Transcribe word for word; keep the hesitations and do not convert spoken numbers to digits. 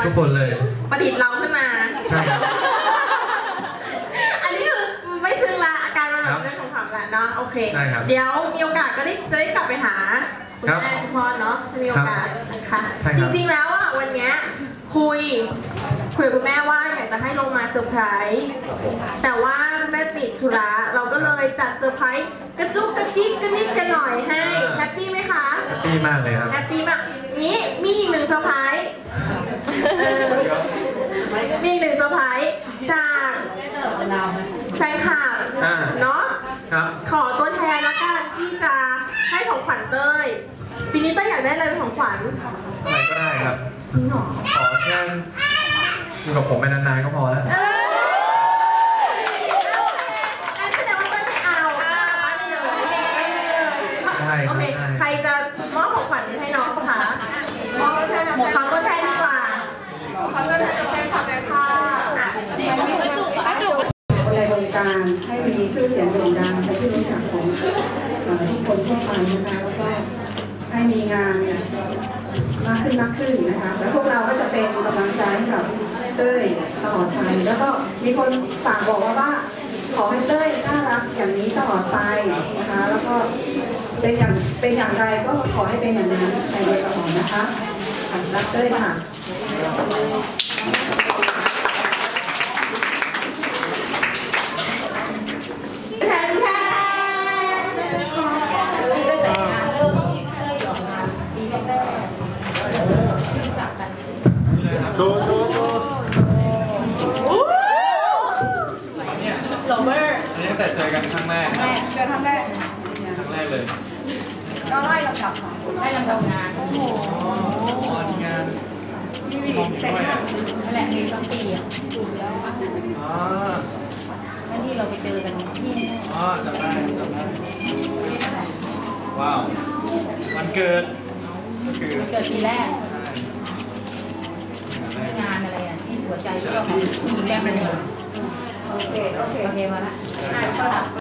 ทุกคนเลยประดิษฐ์เราขึ้นมาใช่ครับอันนี้คือไม่ซึ้งละอาการมันแบบเรื่องของความละเนาะโอเคเดี๋ยวมีโอกาสก็ได้จะได้กลับไปหาคุณแม่คุณพ่อเนาะมีโอกาสนะคะจริงๆแล้วอ่ะวันนี้คุยคุยกับคุณแม่ว่าอยากจะให้ลงมาเซอร์ไพรส์แต่ว่าแม่ติดธุระเราก็เลยจัดเซอร์ไพรส์กระจุกกระจิ๊กกระนิดกันหน่อยให้แฮปปี้ไหมคะแฮปปี้มากเลยครับแฮปปี้มากนี้มีอีกหนึ่งเซอร์ไพรส์มีอีกหนึ่งเซอร์ไพรส์จากแฟนคลับเนาะขอตัวแทนละกันที่จะให้ของขวัญเต้ยปีนี้เต้ยอยากได้อะไรเป็นของขวัญอะไรก็ได้ครับจริงเหรอขอแค่อยู่กับผมไปนานๆก็พอแล้วแสดงว่าเต้ยไม่เอาได้โอเคใครจะมอบของขวัญให้น้องคะมอบให้น้องขอตัวแทนดีกว่าขอตัวแทนจะเป็นขอบคุณค่ะในวงการให้มีชื่อเสียงโด่งดังเป็นที่รู้จักของทุกคนทั่วไปนะคะแล้วก็ให้มีงานมากขึ้นมากขึ้นนะคะแล้วพวกเราก็จะเป็นกำลังใจให้กับเต้ยตลอดไปแล้วก็มีคนฝากบอกว่าว่าขอให้เต้ยน่ารักอย่างนี้ตลอดไปนะคะแล้วก็เป็นอย่างเป็นอย่างไรก็ขอให้เป็นอย่างนั้นไปโดยตลอดนะคะรักเต้ยค่ะโชว์โชว์โชว์โรเบิร์ตอันนี้ตั้งแต่เจอกันครั้งแรกเจอครั้งแรกครั้งแรกเลยก็ไล่ลำดับไล่ลำดับงานโอ้โหอ๋อนี่งานมีวีเซ็ตนั่นแหละมีต้องปีอ่ะถูกแล้วอ๋อนั่นที่เราไปเจอกันที่อ๋อจำได้จำได้ว้าววันเกิดก็คือเกิดปีแรกงานอะไรอ่ะที่หัวใจก็ของผู้หญิงแม่เป็นโอเคโอเคโอเคมาละ